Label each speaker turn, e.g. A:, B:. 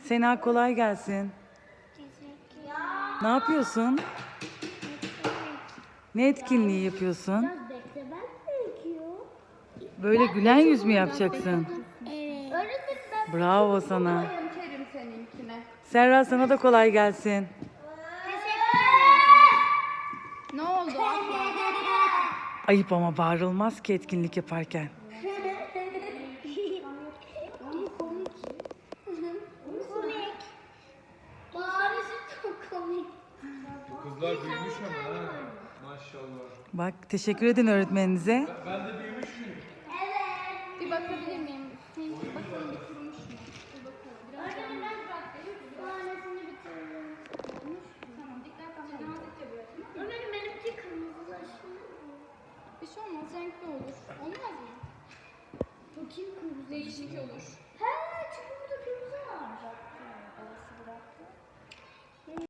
A: Sena kolay gelsin. Ne yapıyorsun? Ne etkinliği yapıyorsun? Böyle gülen yüz mü yapacaksın?
B: Evet.
A: Bravo sana.
C: Yerim seninkine.
A: Serra sana da kolay gelsin.
C: Ne oldu abla?
A: Ayıp ama bağırılmaz ki etkinlik yaparken.
B: Bağırışı çok komik.
D: Kızlar büyümüş ama ha. Maşallah.
A: Bak teşekkür edin öğretmeninize.
D: Ben de